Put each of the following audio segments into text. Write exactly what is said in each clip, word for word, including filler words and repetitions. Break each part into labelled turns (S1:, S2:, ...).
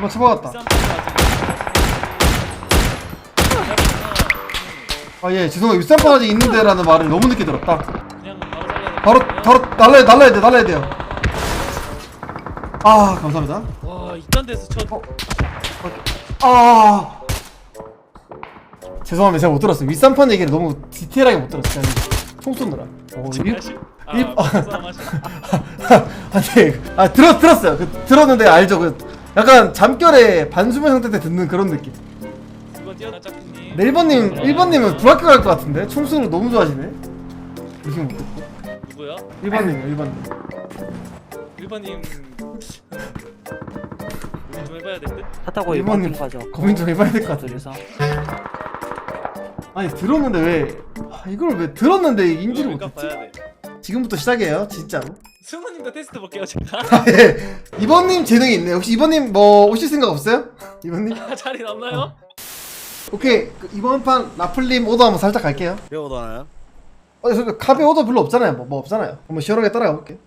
S1: 한번 쳐박았다. 아 예 죄송해요. 윗산판 아직 있는데 라는 말을 너무 늦게 들었다.
S2: 그냥 바로 살려야 돼.
S1: 바로 바로 날라야 날라야 돼 날라야 돼요. 아 감사합니다.
S2: 와 이딴 데서 쳐.
S1: 어. 아 죄송합니다. 제가 못 들었어요. 윗산판 얘기를 너무 디테일하게 못 들었어요. 총 쏘느라. 어, 일,
S2: 아,
S1: 일,
S2: 불쌍하시.
S1: 아니 아 들었 들었어요. 그, 들었는데 알죠. 그 약간 잠결에 반수면 상태 때 듣는 그런 느낌.
S2: 그거 뛰어나 짝꿍님.
S1: 네, 일 번님 일 번님은 불학교 갈 것 같은데 총 쏘는 거 너무 좋아하시네. 무슨 못 듣고.
S2: 누구야?
S1: 일 번님이요 일 번님.
S2: 일 번님. 우리 좀 해봐야 될 듯.
S3: 차 타고
S1: 일 번님
S3: 일본 가죠.
S1: 고민 좀 해봐야 될 것 같은데.
S3: 그래서
S1: 아니 들었는데 왜 아, 이걸 왜 들었는데 인지를
S2: 이거
S1: 못했지?
S2: 봐야 돼.
S1: 지금부터 시작이에요 진짜로.
S2: 승우님도 테스트 볼게요 제가.
S1: 아, 예. 이번님 재능이 있네. 혹시 이번님 뭐 오실 생각 없어요? 이번님?
S2: 자리 남나요?
S1: 오케이 그 이번 판 라플님 오더 한번 살짝 갈게요.
S4: 배워도 하나요?
S1: 어, 저 카베 오더 별로 없잖아요. 뭐, 뭐 없잖아요. 한번 시원하게 따라가 볼게.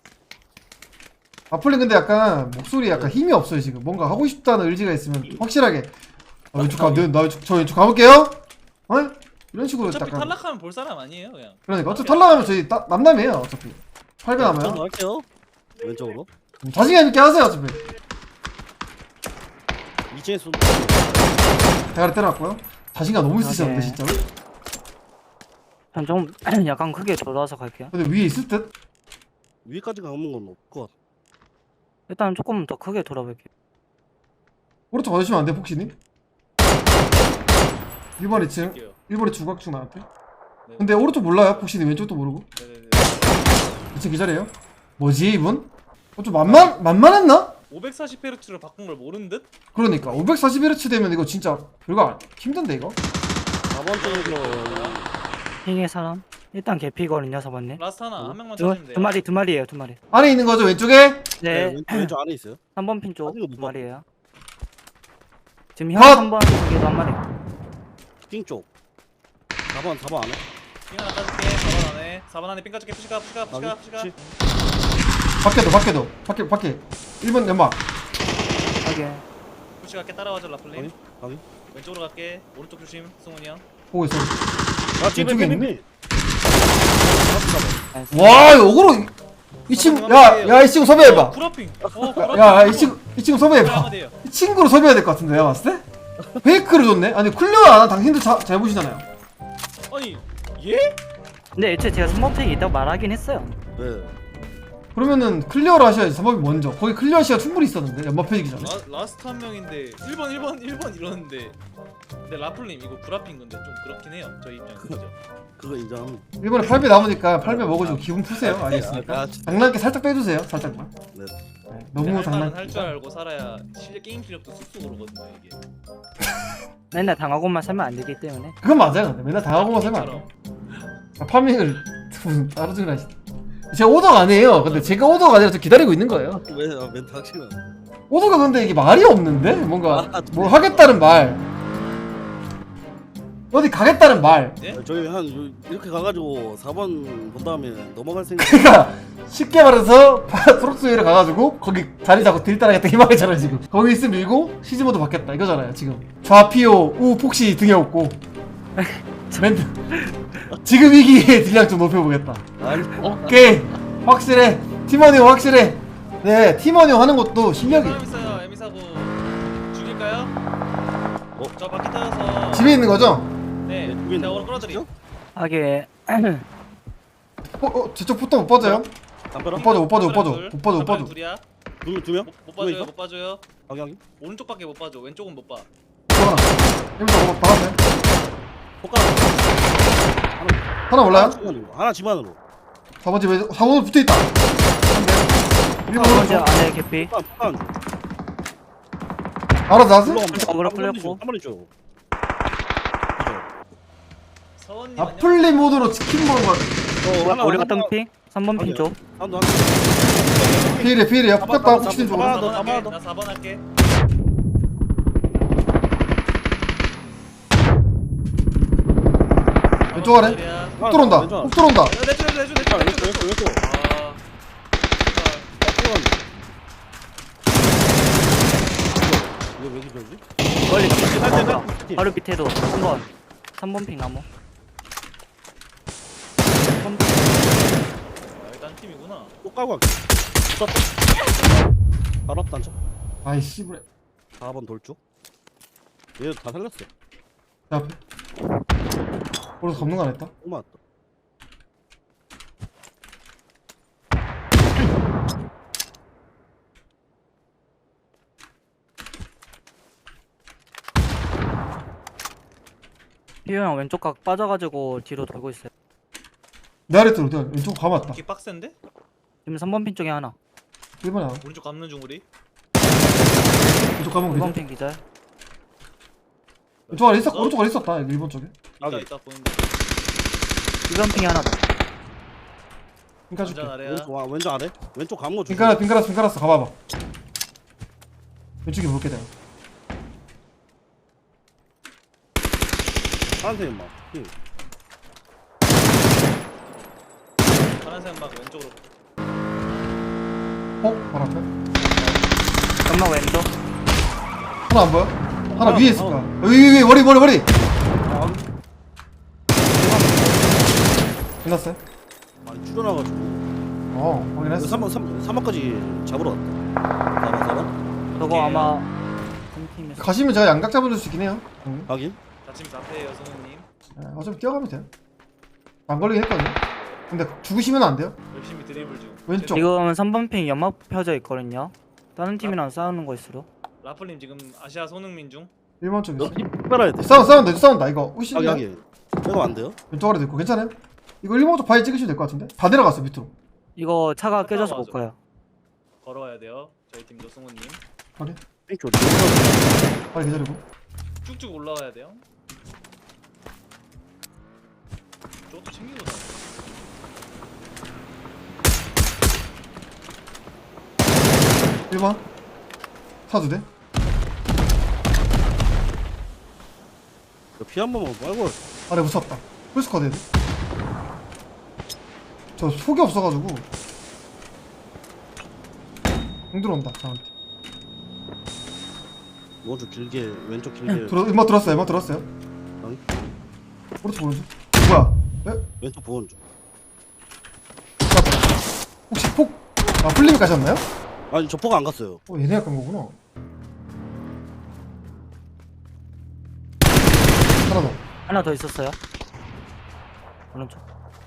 S1: 라플님 근데 약간 목소리 약간 힘이 없어요 지금. 뭔가 하고 싶다는 의지가 있으면 확실하게. 아, 왼쪽 가, 나 왼쪽 저 왼쪽 가볼게요. 어? 이런 식으로
S2: 어차피
S1: 약간.
S2: 탈락하면 볼 사람 아니에요 그냥.
S1: 그러니까 어차피 탈락하면 저희 따, 남남이에요 어차피. 팔 배
S4: 저도
S1: 남아요.
S4: 할게요. 왼쪽으로.
S1: 자신감 있게 하세요 어차피.
S4: 이 층에 쏜.
S1: 대가리 때려놨고요. 자신감 너무 있으셨는데
S3: 오케이.
S1: 진짜로.
S3: 전 좀 약간 크게 돌아서 갈게요.
S1: 근데 위에 있을 듯?
S4: 위에까지 가는 건 없을 것 같아.
S3: 일단 조금 더 크게 돌아볼게요.
S1: 오른쪽 와주시면 안 돼, 폭신이? 일 번 이 층.
S2: 할게요.
S1: 일 번에 중각중 나한테.
S2: 네.
S1: 근데 오른쪽 몰라요, 폭신이. 왼쪽도 모르고.
S2: 네네네.
S1: 이 층 기절해요. 뭐지, 이분? 어, 좀 만만, 만만했나?
S2: 오백사십 헤르츠로 바꾼 걸 모르는 듯?
S1: 그러니까. 오백사십 헤르츠 되면 이거 진짜 별거 안- 힘든데, 이거?
S4: 사 번 쪽으로.
S3: 핑의 사람 일단 개피거든요, 사번님.
S2: 라스트 하나 한 명만
S3: 두,
S2: 찾으면 돼요.
S3: 두 마리 두 마리예요, 두 마리.
S1: 안에 있는 거죠, 왼쪽에?
S4: 네.
S3: 네,
S4: 왼쪽, 왼쪽 안에 있어요.
S3: 삼 번 핀 쪽
S4: 아직은 못
S3: 두
S4: 봤-
S3: 마리예요. 지금 형
S1: 컷!
S3: 삼 번 쪽에도 한 마리.
S4: 핑 쪽. 사 번, 사 번 안에.
S2: 핑 하나 까줄게. 사 번 안에. 사 번 안에 핑 까줄게. 푸시가 푸시가 푸시가 푸시가.
S4: 그치.
S1: 밖에도, 밖에도. 밖에, 밖에. 일 번 연막.
S3: 하게.
S2: 푸시가 갈게. 따라와줘 라플님.
S4: 가위? 가위?
S2: 왼쪽으로 갈게. 오른쪽 조심. 승훈이 형.
S1: 보고 있어.
S4: 아, 뒤에
S1: 왼쪽에
S4: 핑,
S1: 있네?
S4: 핑, 핑.
S1: 와, 역으로. 이 친구, 야, 야, 이 친구 섭외해봐.
S2: 어, 구라핑. 어, 구라핑.
S1: 야, 야, 이 친구, 이 친구 섭외해봐.
S2: 한마디예요.
S1: 이 친구를 섭외해야 될 것 같은데, 내가 봤을 때? 페이크를 줬네? 아니, 클리어 안 한 당신도 자, 잘 보시잖아요.
S2: 아니 얘?
S3: 근데 애초에 제가 스모텍이 있다고 말하긴 했어요.
S4: 네.
S1: 그러면은 클리어를 하셔야지, 사법이 먼저. 거기 클리어 시간 충분히 있었는데, 연막 펴지기 전에.
S2: 라, 라스트 한 명인데 일 번 일 번 일 번 이러는데. 근데 라플님 이거 구라핑 건데 좀 그렇긴 해요. 저희 입장에서 그죠?
S4: 그거 인정합니다.
S1: 일본에 팔 배 남으니까 팔 배 먹으시고 기분 푸세요. 알겠습니까?
S4: 아, 진짜.
S1: 장난기 살짝 빼주세요, 살짝만.
S4: 네.
S1: 네, 너무 장난.
S2: 할줄 알고 살아야 실력 게임 실력도 쑥쑥 오르거든요 이게.
S3: 맨날 당하고만 살면 안 되기 때문에.
S1: 그건 맞아요, 근데. 맨날 당하고만 살면 안 돼.
S2: 게임처럼.
S1: 아, 파밍을 무슨 따로 중을 하시 제가 오더가 아니에요. 근데 제가 오더가 아니라 저 기다리고 있는 거예요.
S4: 왜, 아, 멘트 확실히.
S1: 오더가 근데 이게 말이 없는데? 뭔가
S4: 아,
S1: 뭐 하겠다는 말, 어디 가겠다는 말.
S2: 네?
S4: 저희 한 요- 이렇게 가가지고 사 번 본 다음에 넘어갈 생각.
S1: 그러니까 쉽게 말해서 프로스웨이를 가가지고 거기 자리 잡고 딜 따라겠다 이 말이잖아요 지금. 거기 있으면 밀고 시즈모드 받겠다 이거잖아요 지금. 좌피오 우 폭시 등에 없고 멘트 지금 이 기회에 딜량 좀 높여보겠다.
S4: 아니.
S1: 오케이 확실해. 팀원이 확실해. 네 팀원이 하는 것도 실력이.
S2: 사람 있어요. 에미사고 죽일까요?
S4: 어?
S2: 저 바퀴 타서.
S1: 집에 있는 거죠?
S2: 네.
S4: 집에 있는
S2: 제가
S4: 거
S2: 오늘 끌어드리.
S4: 진짜?
S3: 하게.
S1: 어, 어 저쪽 포터 못 빠져요?
S4: 담벼락?
S1: 못 빠져 못 빠져 못 빠져 못 빠져 못 빠져.
S2: 둘이야.
S4: 두 명, 두 명?
S2: 못, 못
S4: 두 명
S2: 봐줘요.
S4: 있어?
S2: 못 봐줘요.
S4: 여기, 여기.
S2: 오른쪽밖에 못 봐줘. 왼쪽은 못 봐.
S1: 하나 여기서 뭐 박았네.
S4: 손가락.
S1: 하나 몰라요?
S4: 하나 집 안으로. 하나 집 안으로.
S1: 사 번 집에 사 번으로 붙어있다. 일 번
S3: 먼저
S1: 오른쪽
S3: 안에 개피.
S4: 폭간, 폭간.
S1: 알아서 나왔어?
S4: 올라갑니다.
S3: 어그로
S4: 한 번에
S3: 끌렸고.
S4: 줘, 한 번에 줘.
S2: 서원님
S1: 아플리 모드로 치킨 먹은 거
S4: 어, 하나,
S3: 우리
S4: 하나,
S3: 갔던 핑 삼 번 핀
S4: 아니야.
S3: 쪽.
S4: 하나, 하나.
S1: 피해래 피해래
S4: 잡아,
S1: 폭격다
S4: 잡아,
S1: 폭신
S4: 잡아,
S1: 쪽으로.
S4: 잡아.
S2: 사 번
S4: 더,
S2: 할게.
S4: 더.
S2: 나 사 번 할게.
S1: 왼쪽 아래 폭 들어온다
S4: 왼쪽
S1: 폭 들어온다.
S2: 야, 내줘 내줘 내줘
S4: 아,
S2: 내줘
S4: 왼쪽, 왼쪽, 왼쪽.
S2: 아.
S4: 피팅.
S3: 바로 밑에도 삼 번 삼 번 핑 나무 삼 번.
S2: 아, 여기 딴 팀이구나.
S4: 또 까고 갈게. 붙었다. 바로 앞 단차.
S1: 아이 씨부레.
S4: 사 번 돌쪽. 얘 다 살렸어.
S1: 내 앞에. 오른쪽 덮는 거 안 했다.
S4: 또 맞았다.
S3: 피오 형 왼쪽 각 빠져가지고 뒤로 돌고 있어요.
S1: 내 아래 들어. 내가 왼쪽 감았다.
S2: 기 빡센데?
S3: 지금 삼 번 핑 쪽에 하나
S1: 일 번에 하나.
S2: 오른쪽 감는 중 우리.
S1: 왼쪽 감은
S3: 이 번
S1: 그지?
S3: 핑 기절.
S1: 왼쪽 아래 있었. 오른쪽 아래 있었다. 여기 일 번 쪽에.
S2: 있다
S4: 여기.
S2: 있다 보는데.
S3: 이 번 핑이 하나 더.
S1: 핑까 줄게.
S2: 완전 아래야.
S4: 왼쪽, 아, 왼쪽 아래? 왼쪽 감은 거 주지.
S1: 핑까라 핑까라스 핑까라스 가봐봐. 왼쪽에 볼게 내가.
S4: 파란색 막. 핑.
S2: 파란색 막 왼쪽으로.
S1: 어? 바로 앞에.
S3: 연막 왼쪽.
S1: 하나 안 보여? 하나
S4: 하나,
S1: 위에 있을 거야.
S4: 하나.
S1: 여기 위에 머리 머리 머리.
S4: 아,
S1: 끝났어요?
S4: 많이 줄여놔가지고.
S1: 어 확인했어.
S4: 삼 번, 삼 번까지 잡으러 왔다. 사 번, 사 번.
S3: 저거
S2: 오케이.
S3: 아마 한 팀에서
S1: 가시면 제가 양각 잡아줄 수 있긴 해요. 응.
S4: 확인.
S2: 다짐 앞에요 성우님.
S1: 네, 어차피 뛰어가면 돼요. 안 걸리긴 했거든요. 근데 죽으시면 안 돼요.
S2: 열심히 드리블 중.
S1: 왼쪽.
S3: 지금 삼 번 핑 연막 펴져 있거든요. 다른 팀이랑 싸우는 거일수록.
S2: 라플님 지금 아시아 손흥민 중.
S1: 일 번 쪽에
S4: 너
S1: 있어.
S4: 피 빨아야 돼.
S1: 싸운 싸운다 이거 싸운다 이거. 오시.
S4: 확인, 확인. 빼고 안 돼요?
S1: 왼쪽 아래도 있고 괜찮아요? 이거 일 번 쪽 바위 찍으시면 될 것 같은데? 다 내려갔어 밑으로.
S3: 이거 차가 깨져서
S2: 맞아.
S3: 못 가요.
S2: 걸어와야 돼요. 저희 팀도 승우님.
S1: 확인.
S4: 핑 줘.
S1: 빨리 기다리고.
S2: 쭉쭉 올라와야 돼요. 저것도 챙기고 다.
S1: 일 번. 사도 돼?
S4: 피 한 번만 빨고.
S1: 아래 무섭다. 풀스쿼드 해야 돼. 저 속이 없어가지고. 공 들어온다 저한테.
S4: 오른쪽 길게, 왼쪽 길게.
S1: 들어, 음악 들었어요 음악 들었어요.
S4: 확인.
S1: 오른쪽 오른쪽. 뭐야? 에?
S4: 왼쪽 보온 중.
S1: 혹시 폭? 아 풀림이 가셨나요?
S4: 아니, 저 포가 안 갔어요.
S1: 어 얘네가 간 거구나. 하나 더.
S3: 하나 더 있었어요. 오른쪽.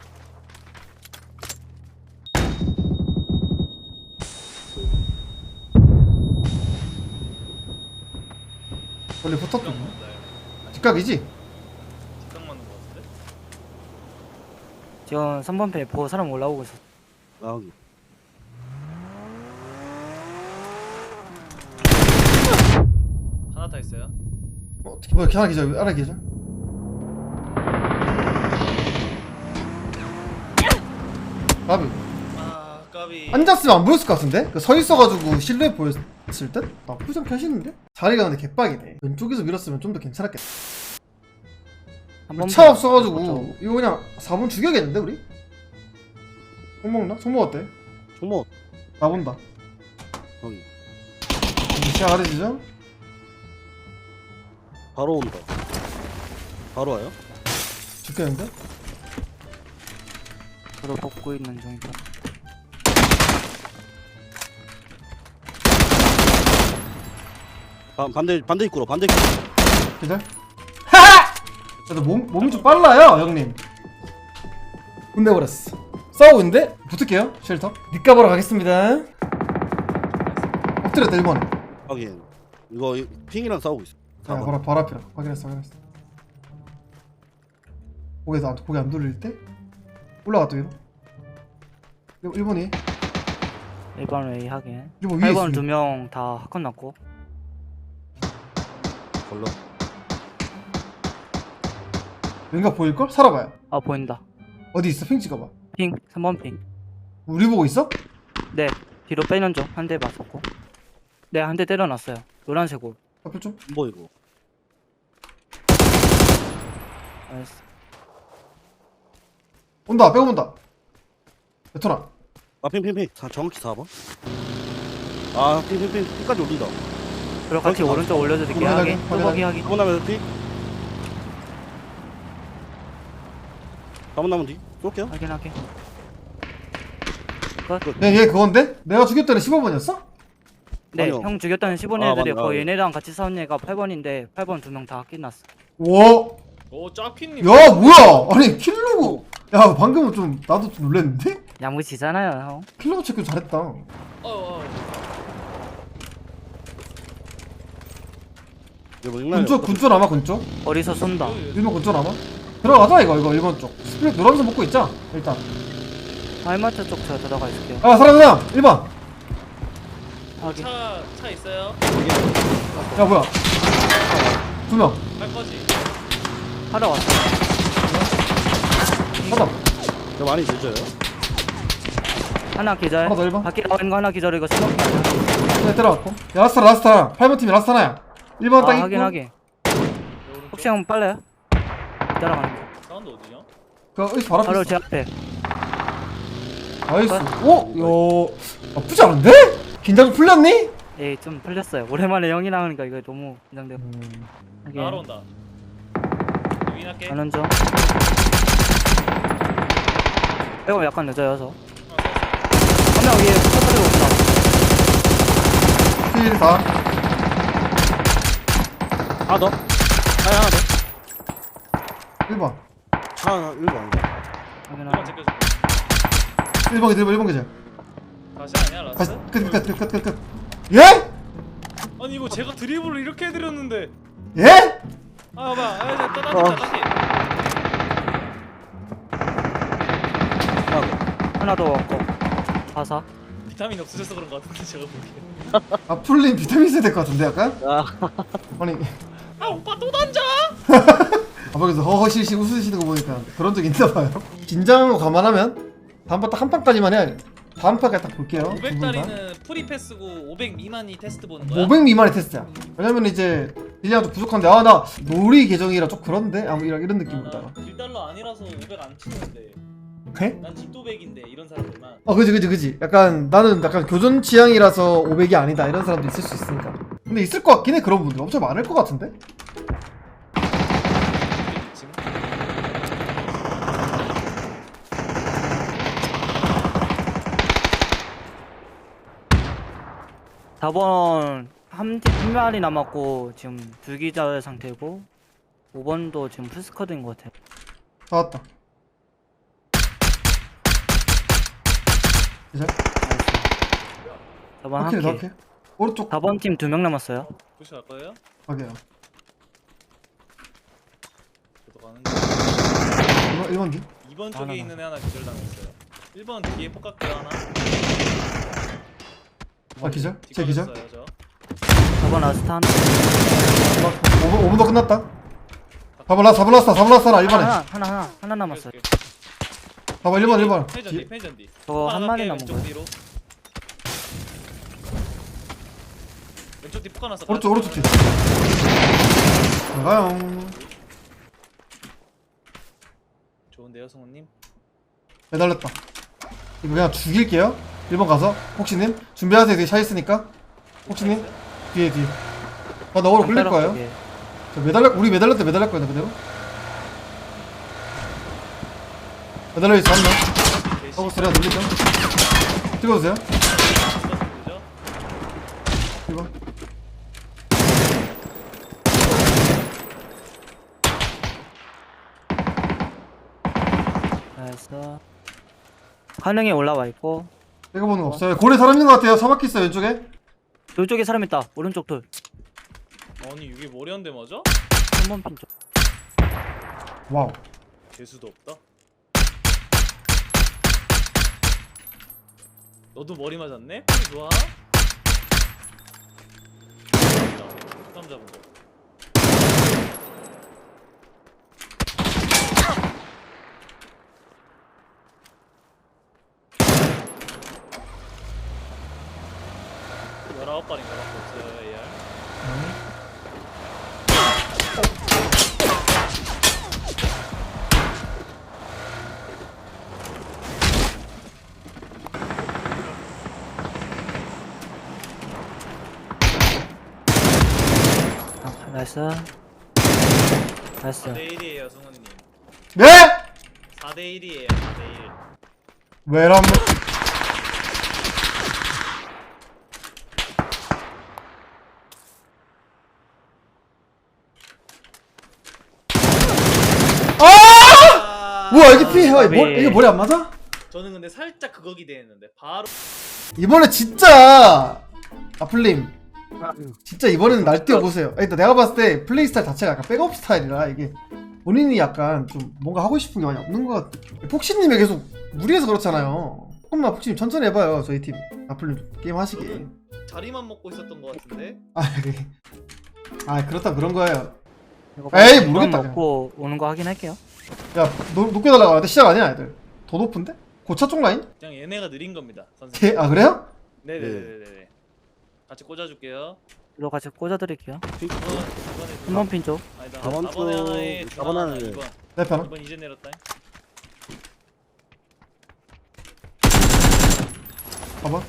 S1: 원래
S2: 뒷각
S1: 붙었거든.
S2: 맞는다.
S1: 뒷각이지?
S2: 뒷각 맞는 거 같은데?
S3: 지금 삼 번 핑 보고 사람 올라오고 있어.
S4: 아, 확인.
S2: 하나 타 있어요.
S1: 어, 어떻게 뭐야 하나 기절 하나 기절. 나비
S2: 아 까비.
S1: 앉았으면 안 보였을 것 같은데? 그 서 있어가지고 실루엣 보였을 듯? 나쁘지 않게 하시는데? 자리가 근데 개빡이네. 왼쪽에서 밀었으면 좀 더 괜찮았겠다.
S3: 한번
S1: 차 없어가지고 이거 그냥 사 번 죽여야겠는데 우리? 총 먹나? 총 먹었대.
S4: 총모.
S1: 나 본다.
S4: 확인.
S1: 이제 시야 가려지죠?
S4: 바로 온다. 바로 와요?
S1: 죽겠는데?
S3: 저도 벗고 있는 중이다.
S4: 반, 반대, 반대 입구로, 반대 입구로.
S1: 기절? 하하! 저도 몸, 몸이 좀 빨라요 형님. 끝내버렸어. 싸우고 있는데? 붙을게요 쉘터. 니까 보러 가겠습니다. 엎드렸다 일 번에.
S4: 확인. 이거 이- 핑이랑 싸우고 있어.
S1: 자, 바로 바로 앞이라. 확인했어, 확인했어. 고개 안 고개 안 돌릴 때 올라갔다 위로. 일 번이
S3: 일 번 웨이 하긴.
S1: 일 번 위에
S3: 팔
S1: 있어.
S3: 번 두 명 다 학컷 났고.
S4: 걸러.
S1: 왠가 보일 걸? 살아봐요.
S3: 아 보인다.
S1: 어디 있어? 핑 찍어봐.
S3: 핑 삼 번 핑.
S1: 우리 보고 있어?
S3: 네 뒤로 빼는 중 한 대 맞았고. 네 한 대 때려놨어요. 노란색 옷.
S1: 앞에 좀.
S4: 안 보이고.
S3: 나이스.
S1: 온다. 빼고 온다. 베토나.
S4: 아, 핑, 핑, 핑. 사, 정확히 사 번. 아, 핑, 핑, 핑. 핑까지 올린다.
S3: 그리고 같이
S4: 거기
S3: 오른쪽 올려드릴게요.
S1: 확인,
S3: 하긴.
S1: 확인,
S3: 뚜벅이 하긴.
S4: 사 번 하면 핑. 사 번 남은 뒤 쏠게요.
S3: 확인하게.
S1: 얘, 얘 그건데? 내가 죽였던 애 십오 번이었어?
S3: 네,
S4: 아니요.
S3: 형 죽였다는 십오
S4: 아,
S3: 애들이
S4: 맞네.
S3: 거
S4: 아,
S3: 얘네랑 같이 싸운 애가 팔 번인데 팔 번 두 명 다 끝났어.
S1: 와,
S2: 오 짜피님.
S1: 야 뭐야? 아니 킬로고. 야 방금은 좀 나도 좀 놀랬는데?
S3: 야무지잖아요, 형.
S1: 킬로고 체크 잘했다.
S2: 어, 어.
S4: 이거 뭐 익나요?
S1: 군쪽 군쪽 남아 군쪽.
S3: 어디서 쏜다.
S1: 일번 군쪽 남아. 들어가자 이거 이거 일번 쪽. 스플릿 노란색 먹고 있자 일단.
S3: 알마트 쪽 저 들어가 있을게요.
S1: 아 사람 사람 일 번.
S3: 확인.
S2: 차, 차 있어요?
S1: 야 뭐야? 두 명.
S2: 갈 거지?
S3: 하러 왔어.
S1: 하나.
S4: 이거 많이 늦어요.
S3: 하나 기절.
S1: 하나 더 일 번.
S3: 밖에 나와 있는 거 하나 기절. 이거 스모킹 아니야?
S1: 네 들어갔고. 야 라스타 라스타. 팔 번 팀이 라스타 하나야. 일 번
S3: 아,
S1: 딱 있고.
S3: 확인 확인. 혹시 형 빨라요? 따라가는 거.
S2: 사운드 어디냐?
S1: 그 여기 바로 앞에
S3: 바로
S1: 있어.
S3: 제 앞에.
S1: 나이스. 오? 야 나쁘지 않은데? 긴장 풀렸니?
S3: 예, 좀 풀렸어요. 오랜만에 형이 나오니까 이거 너무 긴장돼요. 확인.
S2: 나로 온다. 유인할게.
S3: 가는 중. 이거 약간 늦어요, 저. 한 명 위에 터뜨리고 온다.
S1: 킬 사.
S4: 하나 더. 하나 하나 더.
S1: 일 번.
S4: 차 하나 일 번.
S3: 확인
S2: 이번
S3: 확인.
S2: 제껴줘.
S1: 일 번 일 번 일 번 계절.
S2: 다시 아니야
S1: 다시
S2: 라스?
S1: 끝끝끝끝 끝. 예?
S2: 아니 이거 제가 드리블을 이렇게 해드렸는데.
S1: 예?
S2: 아 봐봐. 아 이제 또
S4: 어.
S2: 다시 다시.
S4: 하나 더.
S3: 하나 더 왔고. 바사.
S2: 비타민 없으셔서 그런 거 같은데 제가 보기엔.
S1: 아 풀린 비타민 세야 될 것 같은데 약간?
S4: 아,
S1: 아니
S2: 아 오빠 또 던져?
S1: 아버지서 허허실실 웃으시는 거 보니까 그런 적 있나 봐요. 긴장한 거 감안하면 다음번 딱 한 판까지만 해야 다음 판까지 딱 볼게요.
S2: 오백 짜리는 프리 패스고 오백 미만이 테스트 보는 거야?
S1: 오백 미만의 테스트야. 왜냐면 이제 딜량 좀 부족한데 아 나 놀이 계정이라 좀 그런데 아무 이런 이런 느낌으로다가.
S2: 일 달러 아니라서 오백 안 치는데
S1: 해?
S2: 난 집도백인데 이런 사람들만.
S1: 어 그지 그지 그지. 약간 나는 약간 교전 취향이라서 오백이 아니다 이런 사람도 있을 수 있으니까. 근데 있을 것 같긴 해 그런 분들 엄청 많을 것 같은데.
S2: 지금
S3: 사 번 한, 팀- 한 마리 남았고 지금 두 기절 상태고 오 번도 지금 풀스쿼드인 것 같아요.
S1: 다 왔다. 이제
S3: 사 번
S1: 오케이
S3: 한
S1: 오케이.
S3: 개.
S1: 오른쪽
S3: 사 번 팀 두 명 남았어요.
S2: 푸시 갈 거예요?
S1: 가게요.
S2: 저도 가는데.
S1: 일 번 일 번 뒤.
S2: 이 번
S3: 하나
S2: 쪽에
S3: 남았어.
S2: 있는 애 하나 기절당했어요. 일 번 뒤에 폭각기 하나.
S1: 아 기절? 제 기절?
S2: 뒷걸렸어요, 저.
S3: 사 번 라스트 하나.
S1: 오 분 오 분 더 끝났다. 사 번 라스 사 번 라스 사 번 라스 하나 일 번에.
S3: 하나 하나 하나 하나 남았어요.
S1: 사 번 일 번 일 번.
S2: 편의전 뒤, 편의전 뒤.
S3: 저거 한 마리 남은
S2: 왼쪽
S3: 거예요.
S2: 뒤로. 왼쪽 뒤 폭가 났어.
S1: 오른쪽 오른쪽 뒤. 나가요.
S2: 좋은데요, 성우님?
S1: 매달렸다. 이거 그냥 죽일게요. 일 번 가서 혹시님 준비하세요. 뒤에 차 있으니까. 혹시님 뒤에 뒤에. 아 나 오늘 굴릴
S3: 담벼락
S1: 거예요.
S3: 쪽에.
S1: 저 매달려 우리 매달릴 때 매달릴 거야 그대로. 매달려 있어 한 명.
S2: 개시.
S1: 하고 소리가 들리죠? 찍어주세요.
S2: 그죠?
S1: 일 번.
S3: 그래서 한영이 올라와 있고
S1: 이거 보는 거 없어요. 고래 사람 있는 것 같아요. 사막기 있어 왼쪽에.
S3: 이쪽에 사람 있다. 오른쪽 돌.
S2: 아니 이게 머리 한 대 맞아?
S3: 삼 번 핀 쪽.
S1: 와우.
S2: 개수도 없다. 너도 머리 맞았네? 뿌리 좋아? 사람 잡은 거. 열아홉 발인가 밖에 없어요, 에이알.
S3: 아, 나이스. 나이스.
S2: 내 일이에요, 성우님.
S1: 네?
S2: 사 대 일이에요. 사 대 일.
S1: 왜라면 아! 뭐야 이게 피? 아, 머, 이게 머리 안 맞아?
S2: 저는 근데 살짝 그거 기대했는데 바로
S1: 이번에 진짜 아플님 진짜 이번에는 날뛰어 보세요. 일단 내가 봤을 때 플레이 스타일 자체가 약간 백업 스타일이라 이게 본인이 약간 좀 뭔가 하고 싶은 게 많이 없는 것 같아. 폭신님이 계속 무리해서 그렇잖아요. 조금만 폭신님 천천히 해봐요. 저희 팀 아플님 게임 하시게.
S2: 자리만 먹고 있었던 것 같은데.
S1: 아, 그래. 아 그렇다 그런 거예요.
S3: 이거
S1: 에이,
S3: 이건
S1: 모르겠다,
S3: 먹고 오는 거 확인할게요.
S1: 야 노, 높게 달라고 하는데 시작 아니야 애들. 더 높은데? 고차 쪽 라인?
S2: 그냥 얘네가 느린 겁니다, 선생님.
S1: 개, 아 그래요?
S2: 네네네네. 같이 꽂아줄게요.
S3: 이거 같이 꽂아드릴게요.
S2: 이번 이번에
S3: 한 번 핀 쪽.
S2: 아니다.
S4: 사 번
S2: 사 번에
S4: 쪽,
S2: 하나에
S4: 사
S2: 중앙
S4: 번
S2: 하나.
S4: 하나에.
S2: 이번
S1: 내 편은?
S2: 이번 이제 내렸다.
S1: 봐봐.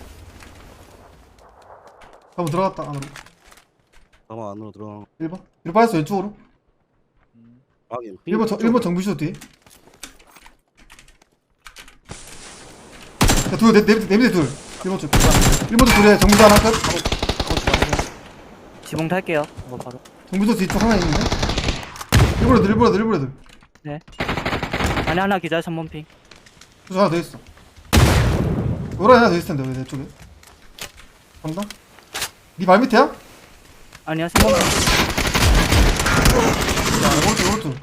S1: 한번 들어갔다 안으로.
S4: 가만 안으로 들어가.
S1: 일 번. 뒤로 빠졌어 왼쪽으로.
S2: 음.
S4: 확인.
S1: 일 번 정, 일 번 정비쇼 뒤에. 야, 둘, 내, 내, 내 밑에 둘. 일 번 쪽. 일 번 쪽 둘에 정비쇼 하나 끝.
S3: 지붕 탈게요. 이거 바로.
S1: 정비쇼 뒤쪽 하나 있는데. 일본에 둘, 일본에 둘, 일본에 둘.
S3: 안에 하나 기절 삼 번 핑.
S1: 저 하나 더 있어. 노란 하나 더 있을 텐데, 왜 내 쪽에. 간다. 니 발 밑에야?
S3: 아니야 삼 번 핑.
S1: 야, 오른쪽, 오른쪽.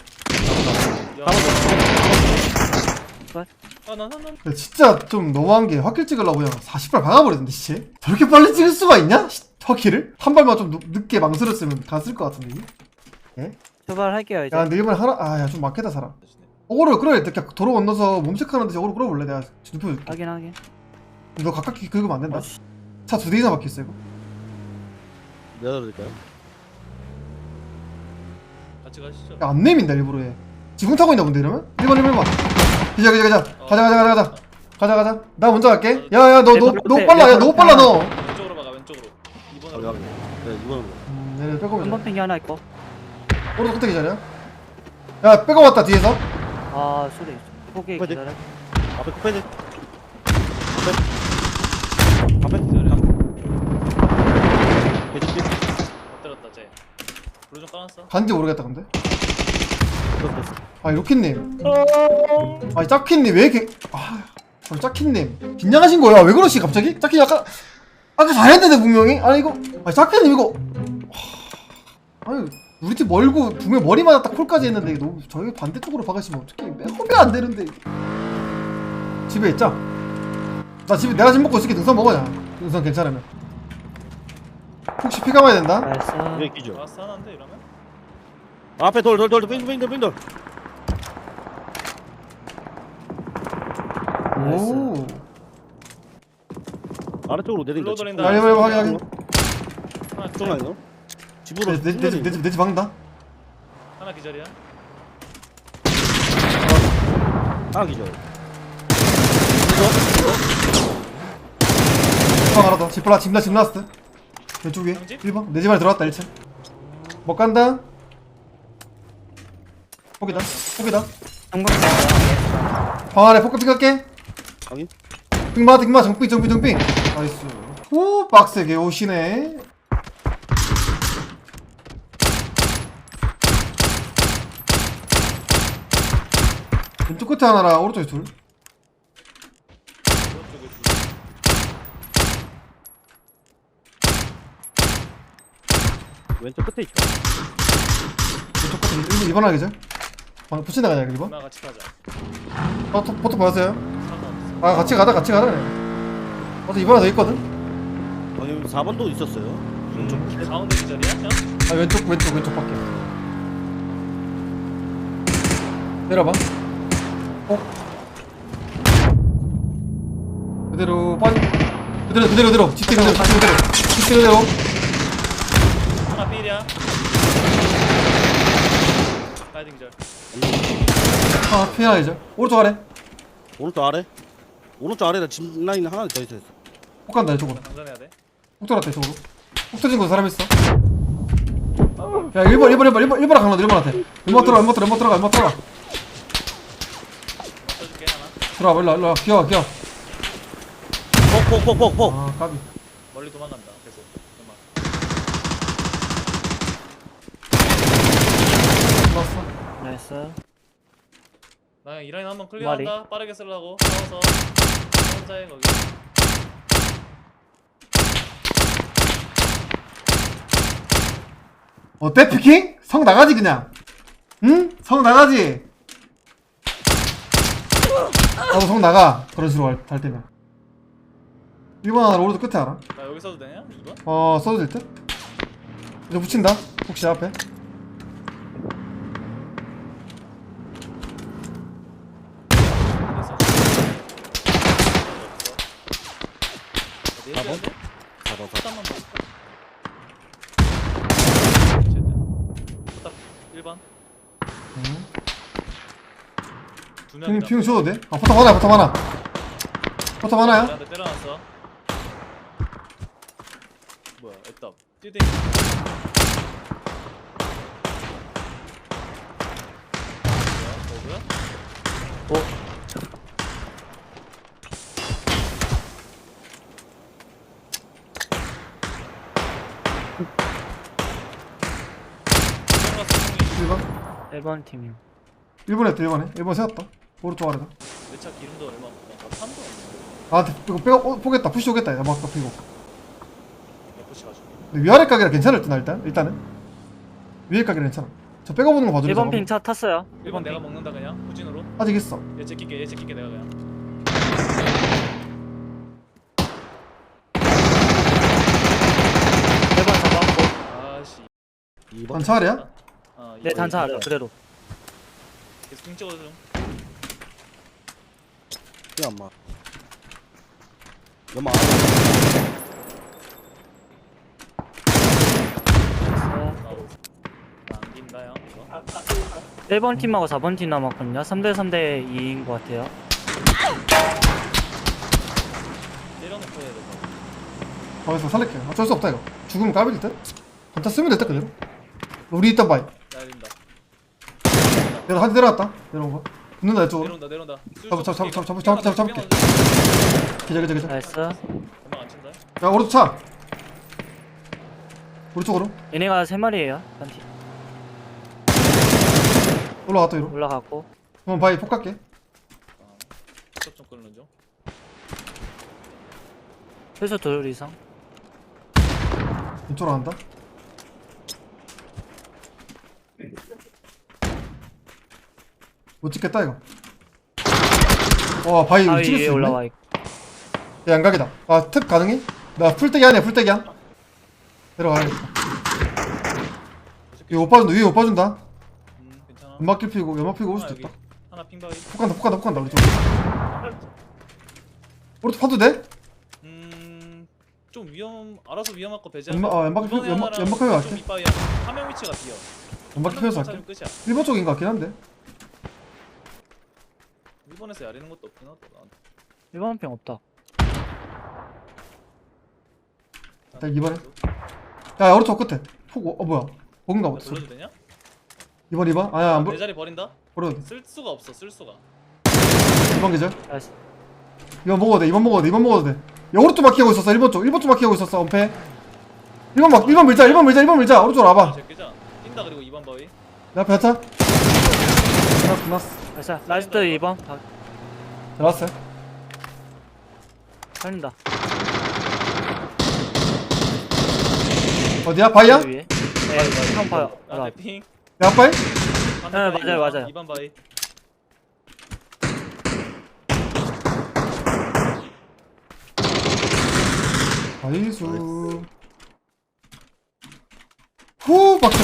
S2: 아나나나
S1: 야, 진짜 좀 너무한 게 확킬 찍으려고 그냥 사십 발 박아버렸는데, 시체? 저렇게 빨리 찍을 수가 있냐? 시- 확킬을? 한 발만 좀 늦, 늦게 망설였으면 갔을 것 같은데, 이게?
S3: 출발할게요 이제.
S1: 야, 근데 일본에 하나, 아, 야, 좀 막겠다, 사람. 어그로 끌어야 돼. 그냥 도로 건너서 몸체크하는 듯이 어그로 끌어볼래? 내가 눕혀줄게.
S3: 확인 확인.
S1: 너 가깝게 긁으면 안 된다.
S3: 어, 씨.
S1: 차 두 대 이상 막혀있어, 이거.
S4: 내려드릴까요?
S2: 같이 가시죠.
S1: 야, 안 내민다, 일부러 얘. 지붕 타고 있나 본데, 이러면? 일 번, 일 번, 일 번. 가자, 가자, 가자. 가자, 가자, 가자, 가자. 가자, 가자. 나 먼저 갈게. 야, 야, 너, 너, 너무 빨라. 야, 너무 빨라, 너.
S2: 왼쪽으로 가가 왼쪽으로. 이번으로.
S4: 확인. 네, 이번으로.
S1: 음, 얘네 빼고
S3: 한 번 핑이 하나 있고.
S1: 오른쪽 끝에 기자리야. 야, 빼고 왔다, 뒤에서.
S3: 아 소리 있어. 포기
S4: 포기.
S3: 기다려.
S4: 앞에 쿠페드. 앞에. 앞에. 계속
S2: 못 때렸다 쟤. 불 좀 까놨어.
S1: 간지 모르겠다, 근데.
S4: 됐어.
S1: 아, 로키님. 아니, 짜키님, 왜 이렇게. 아, 아 짜키님. 긴장하신 거야? 왜 그러시, 갑자기? 짜키 아까. 아까 잘했는데, 분명히? 아니, 이거. 아니, 짜키님, 이거. 하, 아니, 우리 팀 멀고, 분명 머리 맞았다 콜까지 했는데, 이거 너무 저희 반대쪽으로 박으시면 어떡해. 매콤이 안 되는데. 집에 있자. 나 집에, 내가 집 먹고 있을게. 능선 먹어야. 능선 괜찮으면. 혹시 피 감아야 된다?
S3: 나이스.
S4: 여기 기죠.
S2: 라스 하나인데 이러면?
S4: 앞에 돌, 돌, 돌, 돌, 빙돌, 빙돌, 빙돌.
S1: 오.
S4: 아래쪽으로 내린다.
S2: 불러 돌린다.
S1: 야, 이거, 이거, 확인, 확인.
S2: 하나
S4: 쪽
S2: 기절.
S4: 아니야? 집으로.
S1: 내, 내, 내, 집, 내 집, 내 집 박는다.
S2: 하나 기절이야.
S4: 아, 기죠.
S1: 방 하나 더. 집 올라, 집 나, 집 나왔어. 왼쪽 위에.
S2: 집?
S1: 일 번. 내 집 안에 들어왔다, 일 층. 못 간다. 포기다. 포기다.
S3: 한번
S1: 방 안에 포크 픽할게.
S4: 확인.
S1: 빙마, 빙마, 정빙, 정빙, 정빙. 나이스. 오, 빡세게 오시네. 왼쪽 끝에 하나랑 오른쪽에 둘.
S2: 오른쪽에 둘.
S4: 왼쪽 끝에 있죠.
S1: 왼쪽 끝에 일 번, 이 번 하기죠. 방 붙인다 그냥 일 번.
S2: 누나 같이 가자.
S1: 포토, 포토 보였어요?
S2: 상관없어.
S1: 아, 같이 가자, 같이 가자. 어제 이 번 하나 더 있거든?
S4: 아니, 사 번도 있었어요. 왼쪽.
S2: 음, 가운데 기절이야? 형?
S1: 아, 왼쪽, 왼쪽, 왼쪽 밖에. 내려봐. 어? 그대로 빠지. 그대로, 그대로, 그대로. 집대 그대로, 집대 그대로. 집대 그대로.
S2: 하나 필이야. 가이드 기절.
S1: 아, 피해야죠. 오른쪽 아래.
S4: 오른쪽 아래. 오른쪽 아래에 집 라인 하나 더 있어요.
S1: 폭 간다, 이쪽으로.
S2: 장전해야 돼.
S1: 폭 들어왔다, 이쪽으로. 폭 터진 곳에 사람 있어. 야, 일 번, 일 번, 일 번, 일 번, 일 번랑 강남, 일 번한테. 연막 들어가, 연막 들어가, 연막 들어가, 연막 들어가. 들어와 일로와 일로와 기어와 기어.
S4: 폭폭폭폭폭.
S1: 아 까비.
S2: 멀리 도망간다. 계속. 음악.
S1: 좋았어.
S3: 나이스.
S2: 나 그냥 이 라인 한번 클리어한다. 빠르게 쓰려고. 싸워서. 혼자해 거기.
S1: 어때 피킹? 성 나가지 그냥. 응? 성 나가지. 나도 성 나가. 그런 식으로 할, 할 때면. 일 번 하나 오른쪽 끝에 알아?
S2: 나 여기 써도 되냐? 이 번?
S1: 어 써도 될 듯? 이제 붙인다. 혹시 앞에.
S2: 됐어. 어디
S4: 사 번?
S2: 해줘야 돼?
S4: 사 번.
S2: 포탄만 볼까? 포탑 일 번.
S1: 응.
S2: 두
S1: 피킹
S2: 명이다.
S1: 피킹 줘도 돼? 아 포탑 하나야 포탑 하나. 포탑 하나야?
S2: 나한테 때려놨어. 뭐야? 애답. 뛰대. 뭐야? 뭐야?
S3: 오.
S1: 일 번.
S3: 일 번 팀이요.
S1: 일 번 했다 일 번에. 일 번 세웠다. 오른쪽 아래다.
S2: 내차 기름도 얼마 없고 나 탄도 없는데.
S1: 나한테 이거 빼고 어, 포겠다. 푸시 오겠다. 나 아까 피고.
S2: 에프씨 가지고.
S1: 근데 위아래 가게라 괜찮을 듯나 일단 일단은. 위에 가게라 괜찮아. 저 빼고 보는 거 봐줘.
S3: 일 번 핑 차 탔어요.
S2: 일 번 내가 먹는다 그냥 후진으로.
S1: 아직 있어.
S2: 얘 제끼게 얘 제끼게 내가 그냥.
S3: 일 번 잡았고.
S2: 아씨.
S4: 이 번.
S1: 단차 아래야?
S2: 아,
S3: 네,
S2: 이거
S3: 단차 아래요. 그대로.
S2: 계속 핑 찍어줘 좀.
S4: 야 엄마. 연마.
S2: 아우. 나 안긴다 형 이거.
S3: 일 번 팀하고 사 번 팀 남았거든요. 삼 대 삼 대 이인 것 같아요.
S2: 때려놓고 해야 돼.
S1: 거기서 살릴게. 어쩔 수 없다 이거. 죽으면 까빌 듯? 단차 쓰면 됐다 그대로. 우리 일단 봐이.
S2: 날린다.
S1: 내가 한 대 내려갔다. 내려온 거. 붙는다 이쪽으로.
S2: 내려온다 내려온다.
S1: 잡아, 잡아, 잡아, 잡아, 잡아, 잡아, 잡아, 잡을게. 기자 기자 기자.
S3: 나이스.
S2: 금방 안 친다.
S1: 야 오른쪽 차. 오른쪽으로.
S3: 얘네가 세 마리예요. 한 팀.
S1: 올라갔다 위로.
S3: 올라갔고.
S1: 한번 바위 폭 갈게.
S2: 아, 좀 끊는 중.
S3: 최소 둘 이상.
S1: 이쪽으로 간다. 못 찍겠다 이거. 와 바위
S3: 바위
S1: 찍을 수
S3: 위에
S1: 있네.
S3: 올라와 있고.
S1: 야, 양각이다. 아, 특 가능해? 나 풀떼기 아니야, 풀떼기야. 내려가야겠다. 이거 못 봐준다, 위에 못 봐준다.
S2: 음 괜찮아.
S1: 연막 피고, 연막 피고 올
S2: 하나
S1: 수도
S2: 여기.
S1: 있다.
S2: 하나 핑바위.
S1: 폭 간다, 폭 간다, 폭 간다, 우리 쪽. 오른쪽 파도 돼?
S2: 음좀 위험 알아서 위험할 거 배제.
S1: 연막, 어, 연막 피, 연막, 연막 피고 갈게.
S2: 이빠이야. 화면 위치가 비어.
S1: 연막 피면서 할게.
S2: 끝이야.
S1: 일 번 쪽인 것 같긴 한데.
S2: 일본에서 야리는 것도 없긴 하다. 나한테.
S3: 일 번 핑 없다.
S1: 자, 이번에. 야, 오른쪽 끝에. 폭, 어, 어, 뭐야. 뭔가
S2: 나
S1: 없어.
S2: 불러도 되냐?
S1: 이번, 이번? 아야, 안
S2: 내
S1: 보,
S2: 자리 버린다?
S1: 버려도 돼.
S2: 쓸 수가 없어. 쓸 수가.
S1: 이번 계절.
S3: 나이스.
S1: 이번 먹어도 돼, 이번 먹어도 돼, 이번 먹어도 돼. 야, 오른쪽 막히고 있었어, 일 번 쪽. 일 번 쪽 막히고 있었어, 엄폐. 일 번 막, 일 번 밀자, 일 번 밀자, 일 번 밀자. 오른쪽으로 와봐.
S2: 제끼자. 뛴다 그리고 이 번 바위.
S1: 내 앞에 하차. 끝났어, 끝났어.
S3: 나이스. 라스트 이 번. 아,
S1: 들어왔어요.
S3: 살린다.
S1: 어디야? 바이야?
S3: 위에. 네, 처음 봐요. 알아.
S2: 나한테 핑.
S1: 내 앞바이?
S3: 네, 맞아요, 맞아요.
S2: 이 번 바위.
S1: 나이스. 후, 박자.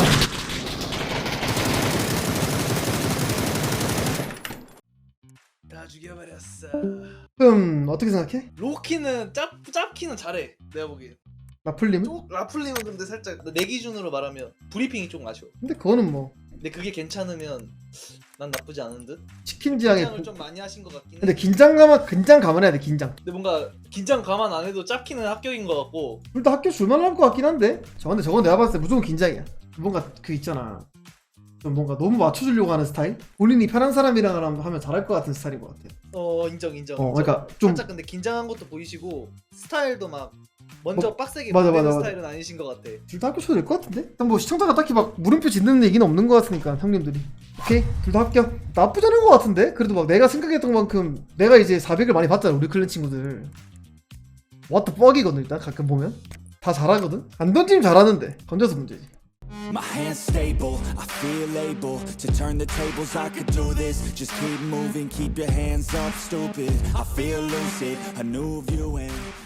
S2: 다 죽여버렸어.
S1: 음, 어떻게 생각해?
S2: 로키는 짭 짭키는 잘해. 내가 보기엔.
S1: 나풀림은?
S2: 쪽 라플링은 근데 살짝 내 기준으로 말하면 브리핑이 좀 아쉬워.
S1: 근데 그거는 뭐
S2: 근데 그게 괜찮으면 난 나쁘지 않은 듯.
S1: 치킨 지향에
S2: 긴장을
S1: 고-
S2: 좀 많이 하신 것 같긴 해.
S1: 근데 긴장감 긴장 감안해야 돼 긴장.
S2: 근데 뭔가 긴장 감안 안 해도 짭키는 합격인 것 같고.
S1: 둘 다 학교 줄만할 것 같긴 한데. 저 근데 저건 내가 봤을 때 무조건 긴장이야. 뭔가 그 있잖아. 좀 뭔가 너무 맞춰주려고 하는 스타일? 본인이 편한 사람이랑 하면 잘할 것 같은 스타일인 것 같아.
S2: 어 인정 인정.
S1: 어,
S2: 인정.
S1: 그러니까 좀
S2: 살짝 근데 긴장한 것도 보이시고 스타일도 막 먼저
S1: 뭐,
S2: 빡세게
S1: 맞아,
S2: 보내는
S1: 맞아, 맞아.
S2: 스타일은 아니신 것 같아.
S1: 둘 다 합격셔도 될 것 같은데? 일단 뭐 시청자가 딱히 막 물음표 짓는 얘기는 없는 것 같으니까 형님들이 오케이 둘 다 합격. 나쁘지 않은 것 같은데? 그래도 막 내가 생각했던 만큼 내가 이제 사백을 많이 봤잖아 우리 클랜 친구들. What the fuck이거든 일단 가끔 보면 다 잘하거든? 안 던지면 잘하는데 던져서 문제지.
S5: My hands stable, I feel able to turn the tables. I could do this. Just keep moving, keep your hands up, stupid. I feel lucid, a new view and